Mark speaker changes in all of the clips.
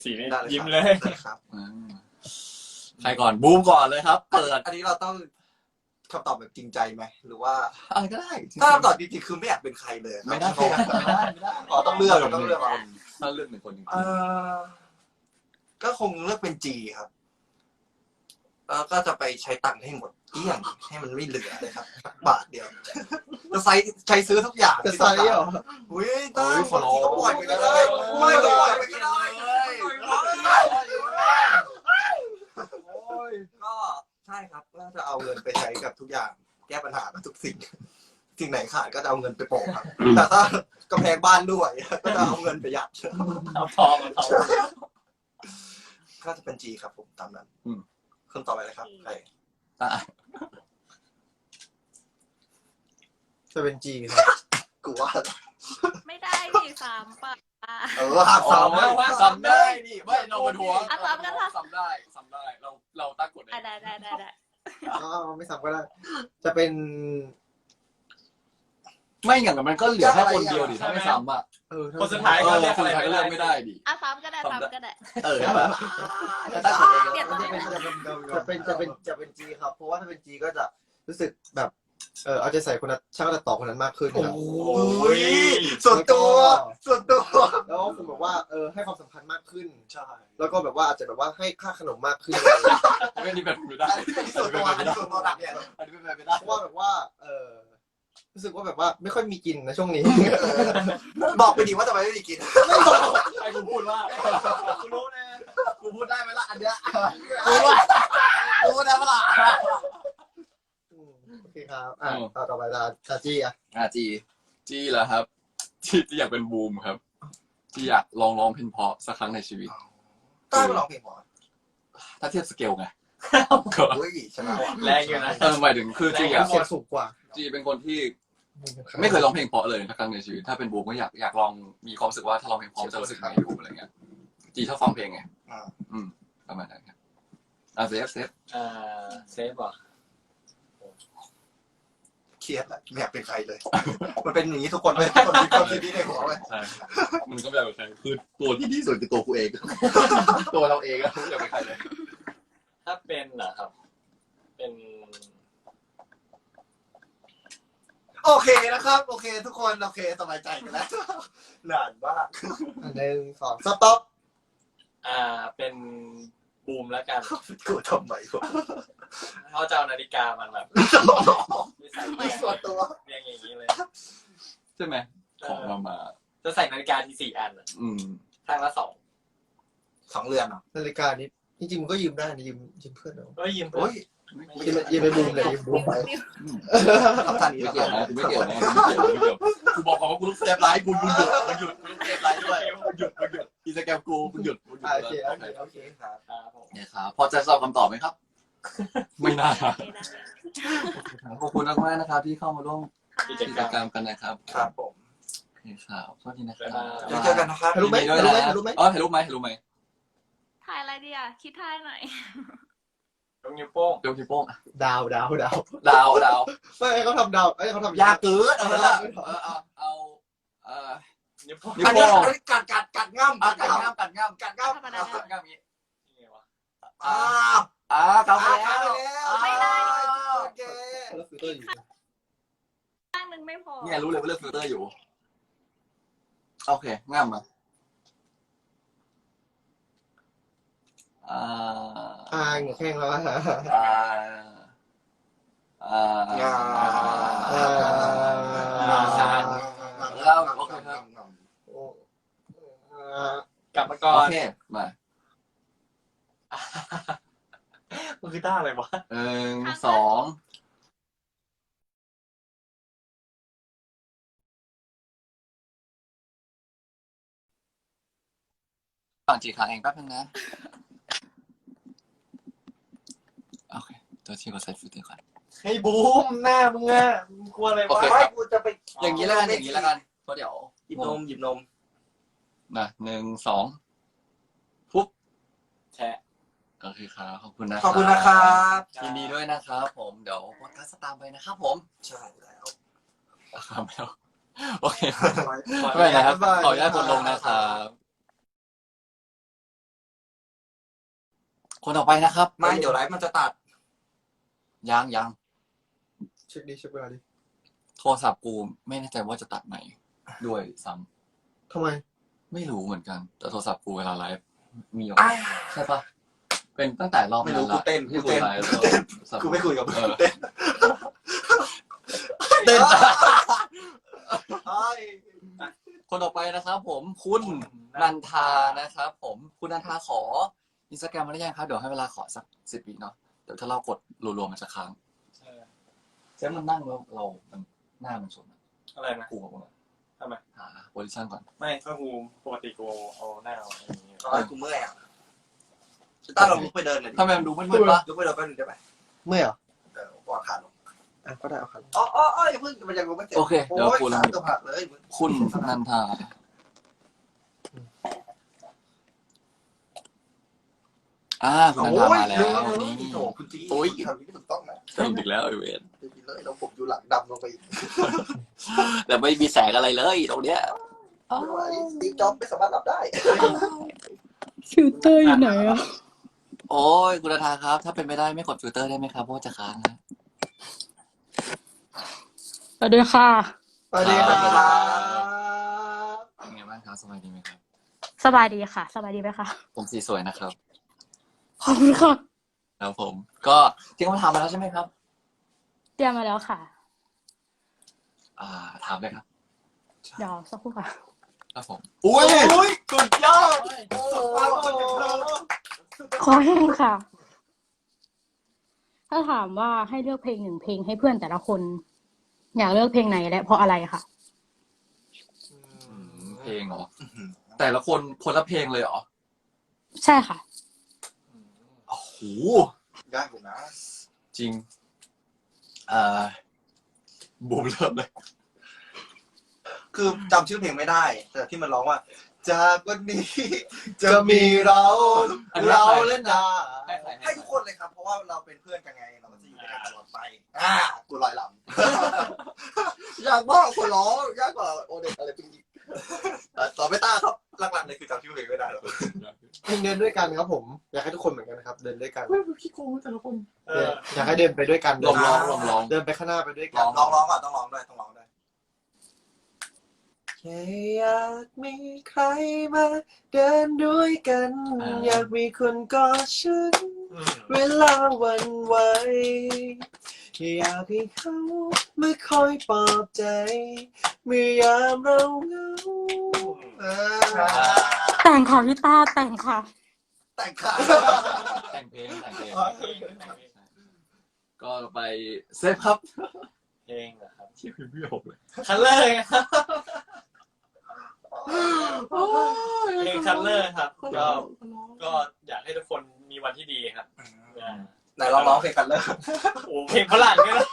Speaker 1: สีนี่
Speaker 2: ได้เลย
Speaker 1: ยิ้ม
Speaker 2: ครับ
Speaker 1: เลย
Speaker 2: ได้ครับ
Speaker 3: ใครก่อนบูมก่อนเลยครับ เปิด
Speaker 2: อันนี้เราต้องคำตอบแบบจริงใจไหมหรือว่า
Speaker 3: อะไรก็ได้
Speaker 2: ถ้าคำตอบจริงๆคือไม่อยากเป็นใครเลย
Speaker 3: ไม่ได้
Speaker 2: เพราะว่า
Speaker 3: ไม่ได้ไม่ได้
Speaker 2: อ๋อต้องเลือกต้องเลือกเอา
Speaker 3: ถ้าเลือกหนึ่งคนจริง
Speaker 2: ก็คงเลือกเป็นจีครับแล้วก็จะไปใช้ตังค์ให้หมดเกลี้ยงให้มันไม่เหลือเลยครับสักบาทเดียวจะใช้ซื้อทุกอย่าง
Speaker 4: จะไซส์เหรอ
Speaker 2: อุ้ยตั้งบางทีก็ปล่อยไปก็ได้ไม่ก็ปล่อยไปก็ได้ก็ใช่ครับก็จะเอาเงินไปใช้กับทุกอย่าง แก้ปัญหากับทุกสิ่งสิ่งไหนขาดก็จะเอาเงินไปโปะครับแต่ถ้ากำแพงบ้านด้วยก็จะเอาเงินไปยัด
Speaker 1: เอาทองเอาทอง
Speaker 2: ก็จะเป็นจีครับผมตามนั้นคนต่อไปเลยครับใคร
Speaker 3: ๆอ่ะ
Speaker 4: จะเป็นจีครับ
Speaker 2: กูว่า
Speaker 5: ไม่ได้ดิ3ป่ะ
Speaker 2: หัก
Speaker 3: สา
Speaker 2: สาม ม
Speaker 3: ได้ว่าซ้ำได้นี่ไม่เรามาทวง
Speaker 5: อ่ะซ้ำกันค่ะ
Speaker 3: ซ้ำได้เราตั้งกฎเอง
Speaker 5: ได้
Speaker 4: อ๋อไม่ซ้ำก็ได้ จะเป็น
Speaker 3: ไม่อย่างนั้นมันก็เหลือแค่คนเดียวดิถ้าไม่ซ้ำอ่ะ
Speaker 1: คนสุดท้าย
Speaker 3: เอ
Speaker 1: ก็
Speaker 3: อ
Speaker 1: เลือก
Speaker 3: คน
Speaker 1: อะไร
Speaker 3: สุดท้ายก็เลือกไม่ได้ดิ
Speaker 5: อ่ะซ้ำก็ได้ซ้ำก็ได้
Speaker 3: เออแบบจะตั้งกฎเอง
Speaker 5: เปลี่ยน
Speaker 4: จะเป็นจีครับ เพราะว่าถ้าเป็นจีก็จะรู้สึกแบบเอาใจใส่คนนั้นช่างตัดต่อคนนั้นมากขึ้นครับ
Speaker 2: โอ้ยส่วนตัวส่วนตัว
Speaker 4: แล้วก็คือแบบว่าให้ความสำคัญมากขึ้น
Speaker 2: ใช่
Speaker 4: แล้วก็แบบว่าอาจจะแบบว่าให้ค่าขนมมากขึ้น
Speaker 3: ไม่นี่แบบไม่ได้
Speaker 2: ส่วนตัวอันนี้ส่วนตัวหนักเนี่ย
Speaker 3: อันนี้เป็นไปไม่ได้
Speaker 4: เพราะว่าแบบว่ารู้สึกว่าแบบว่าไม่ค่อยมีกินนะช่วงนี้
Speaker 2: บอกไปดีว่าทำไมไม่ได้กิน
Speaker 1: ไอ้กูพูดว่ากูรู้นะ
Speaker 3: กูพูดได้ไหมล่ะอันเนี้ย
Speaker 1: กูว่า
Speaker 3: กูพูดได้ไหมล่ะ
Speaker 4: โอเคครับต่อไปตาจีอ่ะ
Speaker 3: จีเหรอครับจีอยากเป็นบูมครับจีอยากลองร้องเพลงเพราะสักครั้งในชีวิต
Speaker 2: ต้าไปร้องเพลงหมอ
Speaker 3: ถ้าเทียบสเกลไง
Speaker 2: เฮ้ยชนะว่ะ
Speaker 1: แรงอยู่นะ
Speaker 3: หมายถึงคือจีอะ
Speaker 4: เสียงสูงกว่า
Speaker 3: จีเป็นคนที่ไม่เคยร้องเพลงเพราะเลยสักครั้งในชีวิตถ้าเป็นบูมก็อยากลองมีความรู้สึกว่าถ้าร้องเพลงเพราะจะรู้สึกไงดูอะไรเงี้ยจีชอบฟังเพลงไงประมาณนั้นครับเซฟ
Speaker 1: เซฟเหรอ
Speaker 2: เครียดแหละไม่อยากเป็นใครเลย มันเป็นอย่างนี้ทุกคนเลยคนมีความคิดนี้ในหัวเลย
Speaker 3: ใช่มึงก็ไม่อยากเป็นใครคือตัวที่ดีสุดคือตัวกูเอง ตัวเราเองอะไม่อยากเป็นใครเลย
Speaker 1: ถ้าเป็นเหรอครับ เป็น
Speaker 2: โอเคนะครับโอเค ทุกคนโอเคสบายใจกันแล้วนานมาก
Speaker 4: 1 2สต็อป
Speaker 1: เป็นบูมแล้วกัน
Speaker 2: กูทำไมวะ
Speaker 1: เขาจะเอานาฬิกามันแบบไม่ใส่
Speaker 2: ไม่ส่วนตัว
Speaker 1: เรียงอย่างนี้เลย
Speaker 3: ใช่ไหมของเรามา
Speaker 1: จะใส่นาฬิกาที่4 อันข้างละ2
Speaker 2: 2 เรือนเหรอ
Speaker 4: นาฬิกานี้จริงๆมันก็ยืมได้นะยืมเพื่อนเอา
Speaker 1: ก็ยืม
Speaker 2: โอ้ย
Speaker 4: ยืมไปบูมเลยยืมบูมไป
Speaker 2: กับท่านนี้
Speaker 3: ไม่
Speaker 2: แล้ว
Speaker 3: เกี่ยวนะกูบอกเขาว่ากูต้องเซฟไลฟ์กูหยุดกูต้องเซฟไลฟ์ด้วยหยุดอินสตาแกรมกูหยุด
Speaker 4: โอเค
Speaker 2: ครับ
Speaker 1: ครับผม
Speaker 3: เนี่ยครับพอจะสอบคำตอบไหมครับ ไม่น่าขอบคุณมากๆนะครับที่เข้ามาร่วม
Speaker 1: กิจ
Speaker 3: กิ
Speaker 1: ก
Speaker 3: จ
Speaker 1: รรม
Speaker 3: กรรมกันนะครับ
Speaker 2: ครับผม
Speaker 3: โอเคครับสวัสดีนะครับ
Speaker 2: เดี๋ยวเจอกันนะครับ
Speaker 4: รู้ไหม
Speaker 3: ด้วยนะ
Speaker 4: รู้ไหม
Speaker 3: อ๋อถ่ายรูปไหม
Speaker 5: ถ่ายอะไรดีอ่ะคิดถ่ายหน่อย
Speaker 1: ยกนิ้วโป้ง
Speaker 3: ยกนิ้วโป้ง
Speaker 4: ดาว
Speaker 3: ดาว
Speaker 4: ไม่ให้เขาทำดาวเขาทำ
Speaker 3: ยากเกินเอา
Speaker 1: นิ้วโป้ง
Speaker 3: นิ้ว
Speaker 2: อัน
Speaker 3: โป้
Speaker 2: นี้
Speaker 3: ง
Speaker 2: กัดง่ำ
Speaker 3: กัดง่าม
Speaker 2: กัดง่ำ
Speaker 3: อย่างนี้
Speaker 1: ยังไงวะ
Speaker 3: กำไปแล้ว
Speaker 5: ไม่ได้
Speaker 2: โอเค
Speaker 4: แล้วฟิลเตอร์อยู่
Speaker 5: ข้างนึงไม่พอ
Speaker 3: เนี่ยรู้เลยว่าเลือกฟิลเตอร์อยู่โอเคง่ามมา
Speaker 4: เหงื่อแข้งแล้ว
Speaker 2: งา
Speaker 3: แล้วโอเคครับ
Speaker 1: กลับมาก่อ
Speaker 3: โอน เคมา
Speaker 1: มันคือท่าอะไรวะ
Speaker 3: 1 2ฝั่งจีขาเองแป๊บนึงนะโอเคตัวที่เราใส่ฟิลเตอร์ก่อน
Speaker 1: ให้บูมหน้ามึงอะมึงกลัวอะไร
Speaker 3: โอ
Speaker 1: วะ
Speaker 3: เค
Speaker 2: ไม่กูจะไป
Speaker 3: อย่างนี้แล้วกันเพราะเดี๋ยว
Speaker 2: หยิบนม
Speaker 3: นะ1 2ปุ๊บ
Speaker 1: แชะ
Speaker 3: โอเคครับขอบคุณนะ
Speaker 2: ขอบคุณนะครับ
Speaker 3: ยินดีด้วยนะครับผมเดี๋ยวพอดแคสต์ตามไปนะครับผม
Speaker 2: ใช่แล้ว
Speaker 3: ครับแล้วโอเคไม่เป็นไรครับขออนุญาตกดลงนะครับคนต่อไปนะครับ
Speaker 2: ไม่เดี๋ยวไลฟ์มันจะตัด
Speaker 3: ยัง
Speaker 4: เช็คเวลาดิ
Speaker 3: โทรศัพท์กูไม่แน่ใจว่าจะตัดไหนด้วยซ้ำ
Speaker 4: ทำไม
Speaker 3: ไม่รู้เหมือนกัน แต่โทรศัพท์กูเวลาไลฟ์มีออก
Speaker 2: อ้าย
Speaker 3: ใช่ปะเป็นตั้งแต่รอบ
Speaker 2: ไม่รู้
Speaker 3: ละ
Speaker 2: กูเต้น
Speaker 3: ที่
Speaker 2: กูเต้น
Speaker 3: ไลฟ์
Speaker 2: กูเต้น
Speaker 3: แล้ว
Speaker 2: กูไม่คุยกับมึง
Speaker 3: เออ
Speaker 2: เต้น
Speaker 3: เต้น
Speaker 2: อ้าย
Speaker 3: คนต่อไปนะครับ ผมคุณนันทานะครับ ผมคุณนันทาขออินสตาแกรมมาได้ยังครับเดี๋ยวให้เวลาขอสัก10 วิเนาะเดี๋ยวถ้าเรากดรัวๆมันจะค้างเซฟมันนั่งแล้วเรามันหน้ามันชนอะ
Speaker 1: อะไรนะ
Speaker 3: กูบอกว่า
Speaker 1: ทำไม
Speaker 3: หาโพซิชั่นก่อน
Speaker 1: ไม่ก็กูปกติกูเอาหน้าอะไรอย่างเงี้ย
Speaker 2: อ้ายกูเมื่อยอ่ะต้าเราลุกไปเดินหน่อยดิ
Speaker 3: ทำไมมันดูมืดๆปะ
Speaker 2: ลุกไปเดินแป๊บนึงได้ไหม
Speaker 4: เมื่อยเหรอ
Speaker 2: วางขาลง
Speaker 4: อ่ะก็ได้เอาครับ
Speaker 2: อ๋ออย่าเพิ่งมันยังลงไม่เสร็จ
Speaker 3: โอเคเดี๋ยวกู
Speaker 2: ล
Speaker 3: ล
Speaker 2: ง
Speaker 3: ง
Speaker 2: ตัวผักเลยมึง
Speaker 3: คุณนันทาคุณนันทามาแล้วนี่
Speaker 2: โอ้คุณจี
Speaker 3: โอ้ย
Speaker 2: ทำนี้ถูกต้องนะ
Speaker 3: สนุกอีกแล้วไอเวน
Speaker 2: ดีเลยเราผมอยู่หลังดำลงไปอีก
Speaker 3: แต่ไม่มีแสงอะไรเลยตรงเนี้ย
Speaker 2: ไม่ไหวสตีฟจ็อบส์ไม่สามารถรับได้
Speaker 6: ฟิลเตอร์อยู่ไหนอ่ะ
Speaker 3: โอ้ยคุณนันทาครับ ถ้าเป็นไม่ได้ไม่กดฟิลเตอร์ได้ไหมครับเพราะว่าจะค้างนะ
Speaker 6: สวัสดีค่ะ
Speaker 4: สวัสดีครับ
Speaker 3: เป็นไงบ้างครับสบายดีไหมครับ
Speaker 6: สบายดีค่ะ สบายดีไหมคะ
Speaker 3: ผมสีสวยนะครับ
Speaker 6: ขอบคุณค่ะ
Speaker 3: แล้วผม ก็ที่เขาถามมาแล้วใช่ไหมครับ
Speaker 6: เตรียมมาแล้วค่ะ
Speaker 3: ถามเลยครับ
Speaker 6: เดี๋ยวสักครู่ค่ะ
Speaker 3: ครับผม
Speaker 2: อุ้ยสุดยอด
Speaker 6: ขอแห้งค่ะ ถ้าถามว่าให้เลือกเพลงหนึ่งเพลงให้เพื่อนแต่ละคน อยากเลือกเพลงไหนและเพราะอะไรค่ะ
Speaker 3: เพลงเหรอแต่ละคนคนละเพลงเลยเหรอ
Speaker 6: ใช่ค่ะ
Speaker 3: โอ้โห
Speaker 2: ยากอยู่นะ
Speaker 3: จริงบูมเริ่มเลย
Speaker 2: คือจำชื่อเพลงไม่ได้ แต่ที่มันร้องว่า จากวันนี้จะมีเราและนา ให้ทุกคนเลยครับ เพราะว่าเราเป็นเพื่อนกันไง เราก็จะอยู่ด้วยกันตลอดไป กูลอยลำ ยากมากคนร้องยากกว่าโอเด็กอะไรเป็นอีกต่อไปต้าครับหลักๆเลยคือจำชื่อเพลงไม่ได้หรอก
Speaker 4: เพลงเดินด้วยกันครับผม อยากให้ทุกคนเหมือนกันนะครับ เดินด้วยกัน
Speaker 3: พี่โก้แต่ละคน
Speaker 4: อยากให้เดินไปด้วยกัน
Speaker 3: ลองร้อง
Speaker 4: เดินไปข้างหน้าไปด้วยกัน
Speaker 2: ร้องก่อนต้องร้องด้วยต้องร้องด้วยแค่อยากมีใครมาเดินด้วยกัน อยากมีคนกอดฉันเวลาหวันไหวอยากให้เขามาคอยปลอบใจเมื่อยามเราเหงา
Speaker 6: แต่งค่ะพี่ตาแต่งค่ะ
Speaker 2: แต่งขาด
Speaker 3: แต่งเพลงก็ไปเซฟครับ
Speaker 1: เพลงเหรอครับ
Speaker 3: ที่คือพี่หกเลย
Speaker 1: คัลเลอร์ครับเพลงคัลเลอร์ครับก็อยากให้ทุกคนมีวันที่ดีครับ
Speaker 2: ไหนร้องเพลงกันเลย
Speaker 1: โอ้เพลงฝรั่งเนี่ยนะ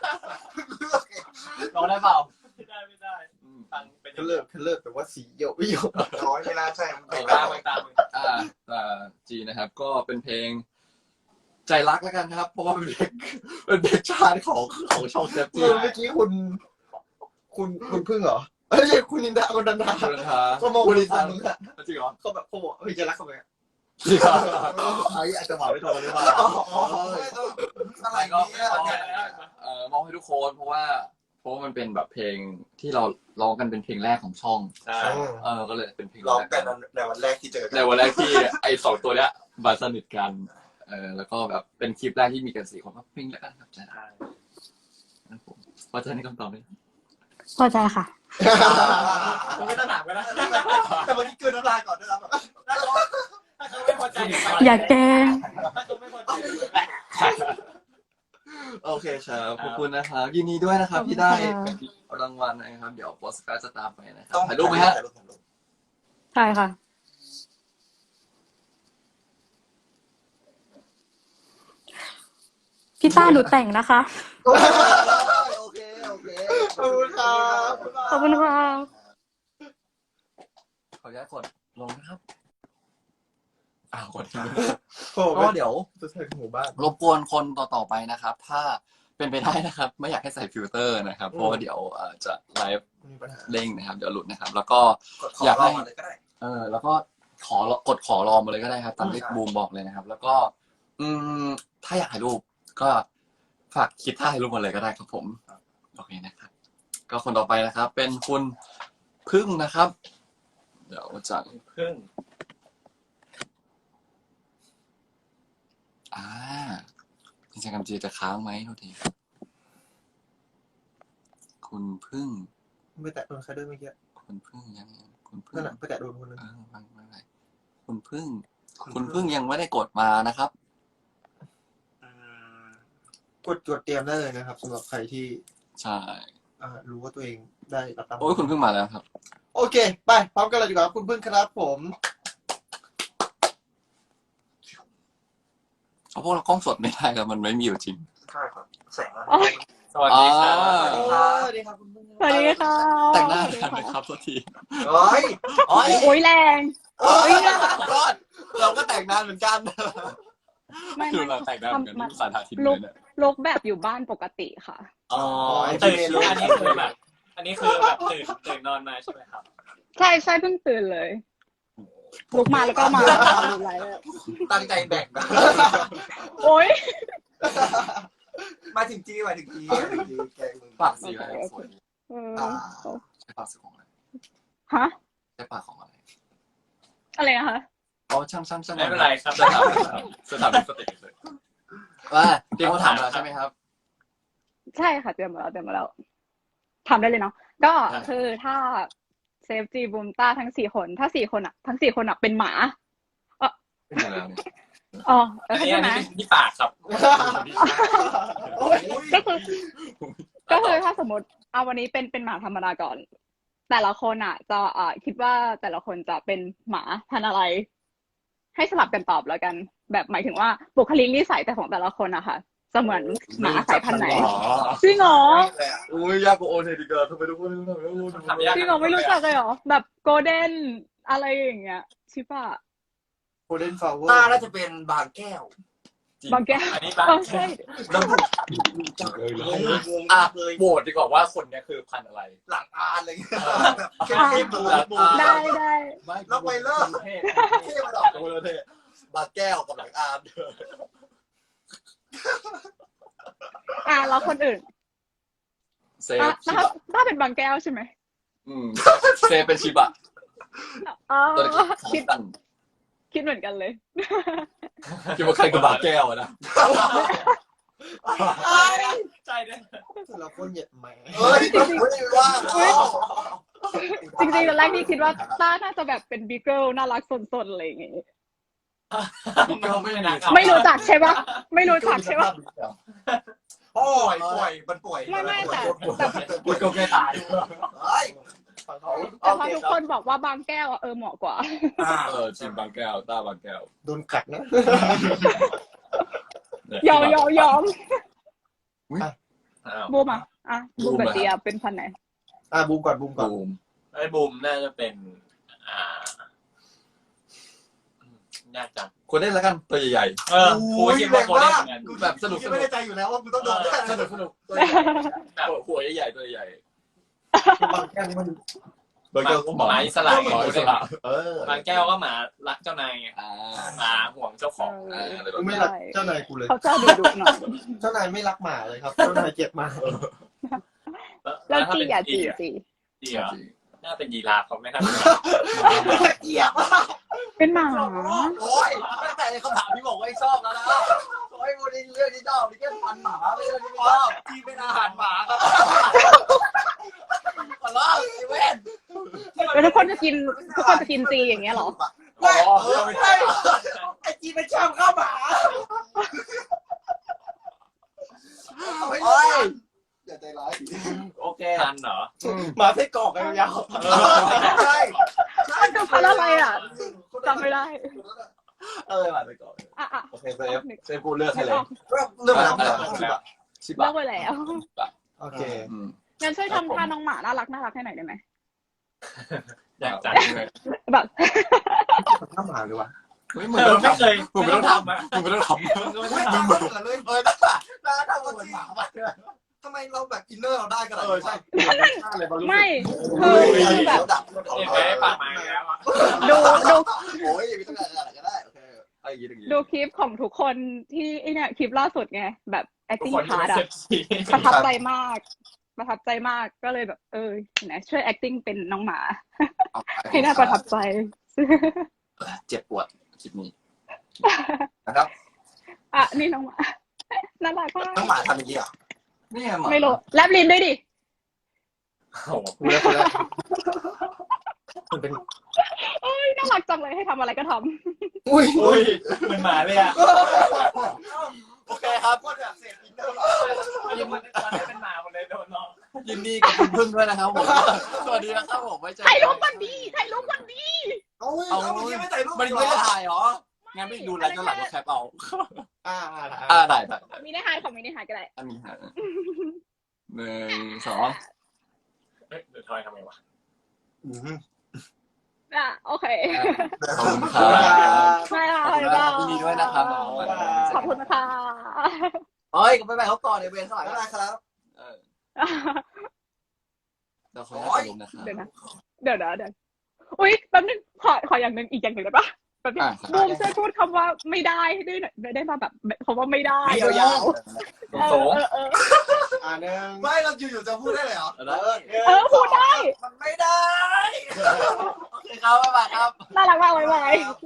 Speaker 1: ร้องได้เปล่าไม่ได้ฟังเป็น
Speaker 4: คันเลิกแต่ว่าสีเหี่ยวไม่เหี่ยว
Speaker 2: ร้อยไม่น่าใช่มัน
Speaker 1: ตาม
Speaker 3: จีนะครับ ก็เป็นเพลงใจรักแล้วกันครับ เพราะว่าเป็นเพลงชาติของช่องเซฟจี
Speaker 4: เมื่อกี้คุณพึ่งเหรอเอ้ยคุณนินดาคุณดันดา
Speaker 3: คุณนันทา
Speaker 4: เขามองคุณนินดามึงอะ
Speaker 3: จริงเหรอ
Speaker 4: เขาแบบเขาบอกเฮ้ยจะรักเขาไหม
Speaker 3: จริงเหรอ
Speaker 4: ไอ้อาจจะหวานไม่ถูกหรือเปล่า
Speaker 2: อะไร
Speaker 3: ก็
Speaker 2: เนี่ย
Speaker 3: มองให้ทุกคนเพราะว่ามันเป็นแบบเพลงที่เราร้องกันเป็นเพลงแรกของช่อง
Speaker 1: ใช่
Speaker 3: ก็เลยเป็นเพลง
Speaker 2: ร้อง
Speaker 3: แรก
Speaker 2: กันในวันแรกที่เจอกั
Speaker 3: ในวันแรกที่ไอ้2 ตัวเนี้ยมาสนิทกันแล้วก็แบบเป็นคลิปแรกที่มีกัน4 คนก็เพลงแล้วกันครับใจรักนะครับผมพอใจในคำตอบไหม
Speaker 6: พอใจค่ะ
Speaker 1: ไม่ต้องถามกันนะ
Speaker 2: แต่วันนี้เกินน้ำลายก่อนด้วยนะแบบ
Speaker 1: ถ้าเขาไม่พอใจ
Speaker 6: อยากแกล้ง
Speaker 1: ถ้าเขาไม่พอใจ
Speaker 3: โอเคครับขอบคุณนะครับยินดีด้วยนะครับที่ได้รางวัลนะครับเดี๋ยวโปสการ์ดจะตามไปนะครับ
Speaker 2: ต้อง
Speaker 3: ถ่ายรูปไหมฮะ
Speaker 6: ใช่ค่ะ พี่ต้าหนูแต่งนะคะ
Speaker 2: โอเคขอบคุณครับ
Speaker 6: ขอบคุณค่ะ
Speaker 3: ขออนุญาตกดลงนะครับกด
Speaker 4: โอ้
Speaker 3: ก็เดี๋ยว
Speaker 4: จะใส่หมู่บ้าน
Speaker 3: รบกวนคนต่อไปนะครับ ถ้าเป็นไปได้นะครับ ไม่อยากให้ใส่ฟิลเตอร์นะครับ เพราะว่าเดี๋ยวจะไลฟ์
Speaker 4: มีปัญหา
Speaker 3: เด้งนะครับ เดี๋ยวหลุดนะครับ แล้วก็
Speaker 2: ขอร้องมาเลยก็ได้
Speaker 3: แล้วก็ขอรอมาเลยก็ได้ครับตามที่บูมบอกเลยนะครับ แล้วก็อืมถ้าอยากถ่ายรูปก็ฝากคิดท่าถ่ายรูปมาเลยก็ได้ครับผมโอเคนะครับ ก็คนต่อไปนะครับ เป็นคุณพึ่งนะครับ เดี๋ยวจะ
Speaker 1: พึ่ง
Speaker 3: อินสตาแกรมจีจะค้างไหมโทษทีคุณพึ่ง
Speaker 4: ไม่แตะโดนใครด้วยเมื่อกี้
Speaker 3: คุณพึ่งยังคุณพึ่
Speaker 4: นั่
Speaker 3: ง
Speaker 4: นแหละไปแตะโดนคนนึง
Speaker 3: ไม่เป็นไรคุณพึ่ง คุณพึ่งยังไม่ได้กดมานะครับ
Speaker 4: กดเตรียมได้เลยนะครับสำหรับใครที่
Speaker 3: ใช่
Speaker 4: รู้ว่าตัวเองได้รับตาม
Speaker 3: โอ้ยคุณพึ่งมาแล้วครับ
Speaker 4: โอเค ไปพร้อมกันเลยดีกว่าคุณพึ่งครับผม
Speaker 3: เอาพวกเรากล้องสดไม่ได้ครับมันไม่มีอยู่จริง
Speaker 2: ใช่ครับแสง
Speaker 1: สวัสดีครับ
Speaker 4: สวัสดีครับคุณพึ่ง
Speaker 6: สวัสดีค่ะ
Speaker 3: แต่งหน้ากันนะครับโทษที
Speaker 2: เฮ้ย
Speaker 3: โอ้ย
Speaker 6: โอ้ยแรง
Speaker 3: เราก็แต่งหน้าเหมือนกัน
Speaker 6: ไม่
Speaker 3: คือ
Speaker 6: ไม่
Speaker 3: เราแต่งหน้าเหมือนกัน
Speaker 6: มัน
Speaker 3: สาธิตเลยเนี่ย
Speaker 6: ลุกแบบอยู่บ้านปกติค่ะ
Speaker 3: อ๋อ
Speaker 1: ตื่นอันนี้คือแบบตื่นนอนมาใช่ไหมครับ
Speaker 6: ใช่ใช่เพิ่งตื่นเลยลุกมาแล้วก็มาดูไลฟ์เลย
Speaker 2: ตั้งใจแบ่งนะ
Speaker 6: โอ้ย
Speaker 2: มาถึงจีแกงมึง
Speaker 3: ปากสีอะไรสวย
Speaker 6: เออ
Speaker 3: ใช้ปากสีของอะไร
Speaker 6: ฮะ
Speaker 3: ใช้ปากของอะไร
Speaker 6: อะไรนะคะ
Speaker 3: อ๋อช่าง
Speaker 1: ไม่เป็นไรครับ
Speaker 3: จะถามสติเลยว่าเตรียมคำถามแล้วใช่ไหมครับ
Speaker 6: ใช่ค่ะเตรียมมาแล้วทำได้เลยเนาะก็คือถ้าเซฟจีบูมต้าทั้ง4 คนถ้า4 คนอ่ะทั้ง4 คนอ่ะเป็นหมา
Speaker 3: เป็นยังไงแล้วเนี่ย
Speaker 6: อ๋อ
Speaker 1: อันนี้
Speaker 6: ใช่ไหม
Speaker 1: เป็นที่ปากครับ
Speaker 6: ก็คือถ้าสมมติเอาวันนี้เป็นหมาธรรมดาก่อน แต่ละคนอ่ะ จะคิดว่าแต่ละคนจะเป็นหมาพันธุ์อะไร ให้สลับกันตอบแล้วกัน แบบหมายถึงว่าบุคลิกนิสัยแต่ของแต่ละคนอะค่ะจะเหมือนหมาสายพันธุ์ไหนจริงเหรอ
Speaker 3: อุ้ยยากกว่าโอเทดิเกอร์ทำไมทุกคนไม่รู้
Speaker 1: ทำยาก
Speaker 6: จริงเหรอไม่รู้จักเลยเหรอแบบโกลเด้นอะไรอย่างเงี้ยชิบะ
Speaker 4: โคเดนฟลาวเวอ
Speaker 2: ตา
Speaker 4: ร์
Speaker 2: น่าจะเป็นบางแก้ว
Speaker 6: บางแก้ว
Speaker 1: อันนี้บาง
Speaker 6: ใช่
Speaker 3: แล้วโหวตดีกว่าว่าคนเนี้ยคือพันธุ์อะไร
Speaker 2: หลังอานอะไรเงี้ยแบบเข้มๆบู
Speaker 6: ได้
Speaker 2: ล็อกไวเลอร์เท่มาดอกบางแก้วกับหลังอาน
Speaker 6: แล้วคนอื่น
Speaker 3: เซฟชิ
Speaker 6: ถ้า
Speaker 3: บะ
Speaker 6: เป็นบางแก้วใช่ไหม
Speaker 3: เซฟเป็นชิบะ
Speaker 6: อ๋อ
Speaker 3: ตัวเล็ก
Speaker 6: คิดเหมือนกันเลย
Speaker 3: คิดว่าใครคือบาแก้วอะนะ
Speaker 1: ใจเนี่ย
Speaker 4: แต่ละคนเหยียดแหม
Speaker 2: เฮ้ยไม่ได้ว่า
Speaker 6: จริงๆตอนแรกที่คิดว่าต้าน่าจะแบบเป็นบีเกิลน่ารักสนๆอะไรอย่างเงี้ย ไม่รู้จักใช่ปะไม่รู้จักใช่ปะ
Speaker 2: ป่วยมันป่วย
Speaker 6: ไม่แต่
Speaker 3: กูก็ไม่ตาย
Speaker 2: เฮ้ย
Speaker 6: แต่พอทุกคนบอกว่าบางแก้วอะเหมาะกว่า
Speaker 3: ชิมบางแก้วต้าบางแก้ว
Speaker 4: โดนกัดนะ
Speaker 6: ยอม
Speaker 1: อ้าว
Speaker 6: บูมบูมกับเจียเป็นพันธุ์ไหน
Speaker 4: บูมก่อน
Speaker 3: บูม
Speaker 1: ไอ้บูมน่าจะเป็นยากจัง
Speaker 3: คนเล่นแล้วกันตัวใหญ่
Speaker 1: กูคิดว่าคนได้เหมือนกัน
Speaker 3: ๆแบบสนุก
Speaker 2: ไม่ได้ใจอยู่แล้วว่ากูต้องโดน
Speaker 3: สนุกหัวใหญ่ๆตัวใหญ่
Speaker 4: บางแก้วมัน
Speaker 3: บางแก้วก็
Speaker 1: หมาอิสระ
Speaker 3: หมาอิสระ
Speaker 1: บางแก้วก็หมารักเจ้านายไงหมาห่วงเจ้าของ
Speaker 4: กูไม่รักเจ้านายกูเลย
Speaker 6: เขาจะดุหน่อย
Speaker 4: เจ้านายไม่รักหมาเลยครับ เจ้านายเกลียดหมา
Speaker 6: แล้วจีเหรอน่าเป็นยีราฟเขาไม่น่า
Speaker 2: เกลียด
Speaker 6: เป็นหมา
Speaker 2: โอ้ยตั้งแต่ในคำถามที่บอกว่าชอบแล้วนะโอ้ยวันนี้เรื่องที่ชอบนี่แค่พันหมาไม่ใช่ที่ชอบที่เป็นอาหารหมาครับขอร้องเว้น
Speaker 6: แล้วทุกคนจะกินจีอย่างเงี้ยเหรอ
Speaker 2: ไม่ใช่ไอจีเป็นชอบข้าวหมาโอ้ยอย่าใจร้าย
Speaker 1: โอเคทันเหรอ
Speaker 4: หมาไส้กรอกยาว
Speaker 2: ใช่ใช่
Speaker 6: มันคือพันธุ์อะไรอ่ะจำไม่ได้
Speaker 3: มาไปก่อน
Speaker 6: อ่ะ
Speaker 3: โอเคเซฟกูเลือกให้เลย
Speaker 2: เรื่องอะไร
Speaker 3: ชิ
Speaker 6: เลิ
Speaker 3: บะ
Speaker 6: กไปแล้ว
Speaker 4: โอเค
Speaker 6: งั้นช่วยทำท่าน้องหมาน่ารักให้หน่อยได้ไหม
Speaker 1: อยากจังเลย
Speaker 6: แบบ
Speaker 4: ข้าวหมาเลยวะ
Speaker 3: ไม่เคย
Speaker 1: ผมไม่ต้องทำอ่ะ
Speaker 3: มึงไม่ต้องทำ
Speaker 2: ไม่ทำเหมือนเลยน่าทำเหมือนหมาทำไมเราแบบอินเนอร์เราได้กันใช่
Speaker 6: ไม่คือแบบ
Speaker 1: เห็นไหมปากหมาแล้วอ่ะ
Speaker 6: ดู
Speaker 2: โอ้ยมีตั้งแต่อะไรก็ได้โอเค
Speaker 3: อะไรอย่างงี้
Speaker 6: ดูคลิปของทุกคนที่ไอเนี่ยคลิปล่าสุดไงแบบ
Speaker 1: ทุก
Speaker 6: acting
Speaker 1: คนที่ไม่
Speaker 6: part อะ
Speaker 1: เซ็กซี่
Speaker 6: ประทับใจมาก ประทับใจมากก็เลยแบบเห็นไหมช่วย acting เป็นน้องหมา
Speaker 3: เอาไป
Speaker 6: ให้น่าประทับใจ
Speaker 3: เจ็บปวดคลิปนี้นะครับ
Speaker 6: อ่ะนี่น้องหมาน่ารักมาก
Speaker 2: น้องหมาทำอย่างนี้เหรอ
Speaker 3: นี่ไงหมา
Speaker 6: ไม่รู้แลบลิ้นด้วยดิ
Speaker 1: โอ้โห
Speaker 4: พูดแล้วมันเป็น
Speaker 6: น่ารักจังเลยให้ทำอะไรก็ทำ
Speaker 4: อุ้ย
Speaker 1: อุ้ยเหมือนหมาเลยอ่ะ
Speaker 3: โอเคครับ
Speaker 2: ก็แบบเสียงอินเนอร์
Speaker 1: ยินตอนนี้เป็นหมาหมดเลยโดนน้อง
Speaker 3: ยินดีกับคุณพึ่งด้วยนะครับผมสวัสดีนะครับผมไว้เจอ
Speaker 6: ถ่ายรูปกันดีถ่ายรูปกันดี
Speaker 2: เอาเมื่อกี้ไม่ใส่รูป
Speaker 3: มัน
Speaker 2: เหร
Speaker 3: ไม่
Speaker 2: อ
Speaker 3: ได้ถ่ายเหรองั้นไม่ดูไลฟ์ย้อนหลังก็แคปเอา
Speaker 4: ได้
Speaker 3: ได้
Speaker 6: มีในหายของมีในหายก็ได้
Speaker 3: อันนี้ฮะ1 2
Speaker 1: เฮ้ยเดี๋ยวทอยทำไงวะ
Speaker 6: โอเค
Speaker 3: ขอบคุณครับ
Speaker 6: ไม่ละ
Speaker 3: ขอบคุณครับยินดีด้วยนะครับ
Speaker 6: ขอบคุณนะคะ
Speaker 3: เฮ้ยก็ไปเขาก่อนในเวรสาย
Speaker 2: ไม่ได้ครับ
Speaker 3: เราขออนุญาตลงนะครับ
Speaker 6: เดี๋ยวนะเดี๋ยวอุ๊ยแป๊บนึงขออย่างหนึ่งอีกอย่างหนึ่งได้ปะแป๊บนึง
Speaker 3: ครับ
Speaker 6: บูมช่วยพูดคำว่าไม่ได้ได้มาแบบคำว่าไม่ได้
Speaker 2: ไม่ยาว
Speaker 1: โสง
Speaker 4: หนึ่ง
Speaker 2: ไม่เราอยู่ๆจะพูดได้เลยเหรอ
Speaker 6: พูดได้
Speaker 2: มันไม่ได้
Speaker 3: โอเคครับบ๊ายบายครับ
Speaker 6: น่ารักมากไว้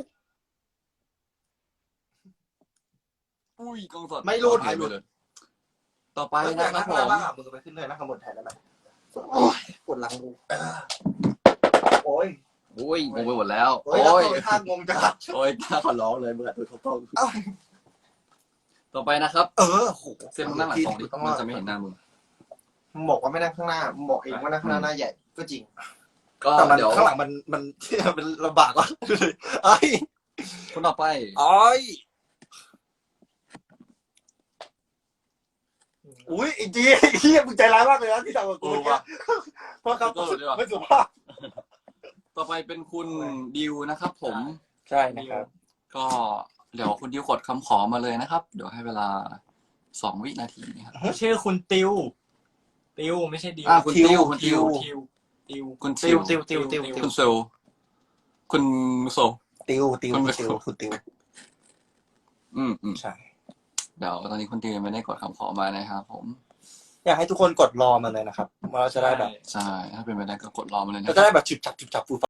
Speaker 3: อุ้ยกล้องสด
Speaker 4: ไม่รูด
Speaker 3: ถ่ายไปเลยต่อไป
Speaker 2: ไป
Speaker 3: นะ
Speaker 2: นะ
Speaker 3: ค
Speaker 2: ค
Speaker 3: รั
Speaker 2: รั
Speaker 3: บบ ผ
Speaker 2: ผม
Speaker 3: ม
Speaker 2: มือไปขึ้นเลยนะข้างบนแทนได้ไหมโอ้ยปวดหลังกูโอ้ย
Speaker 3: อุ้ยงงไปหมดแล้ว
Speaker 2: โอ้ย
Speaker 3: โอ้ย
Speaker 2: ท่างงจัง
Speaker 3: โอ้ยกล้าขอร้องเลยเมื่อตัวเขาต้องต่อไปนะครับ
Speaker 2: โห
Speaker 3: เส้นนั่งหลังตรงดิมันจะไม่เห็นหน้ามึง
Speaker 2: มึงบอกว่าไม่นั่งข้างหน้ามึงบอกเองว่านั่งข้างหน้าหน้าใหญ่ก็จริง
Speaker 3: ก็
Speaker 2: แต่มัน
Speaker 3: เดี๋ยว
Speaker 2: ข้างหลังมันมันลำบากว่ะไอ้
Speaker 3: คนต่อไป
Speaker 2: อ้อยอุ้ยไอ้จีเฮียมึงใจร้ายมากเลยนะที่ทำกับกูเนี่ยเพราะเขาไม่สุภาพ
Speaker 3: ต่อไปเป็นคุณดิวนะครับ ผม
Speaker 2: ใช่นะครับ
Speaker 3: ก็เดี๋ยวคุณดิวกดคำขอมาเลยนะครับ เดี๋ยวให้เวลา2 วินาทีนะครับ
Speaker 1: ชื่อคุณติวไม่ใช่ดิว
Speaker 3: คุณติวคุณติว
Speaker 1: ติว
Speaker 3: คุณ
Speaker 1: ติว
Speaker 3: คุณเซลคุณโซ
Speaker 2: ติว
Speaker 3: ใช่เดี๋ยวตอนนี้คุณติวยังไม่ได้กดคำขอมานะครับผม
Speaker 2: อยากให้ทุกคนกดรอมาเลยนะครับเราจะได้แบบ
Speaker 3: ใช่ถ้าเป็นไปได้ก็กดรอมาเลยนะ
Speaker 2: เราจะได้แบบฉุบฉับฟู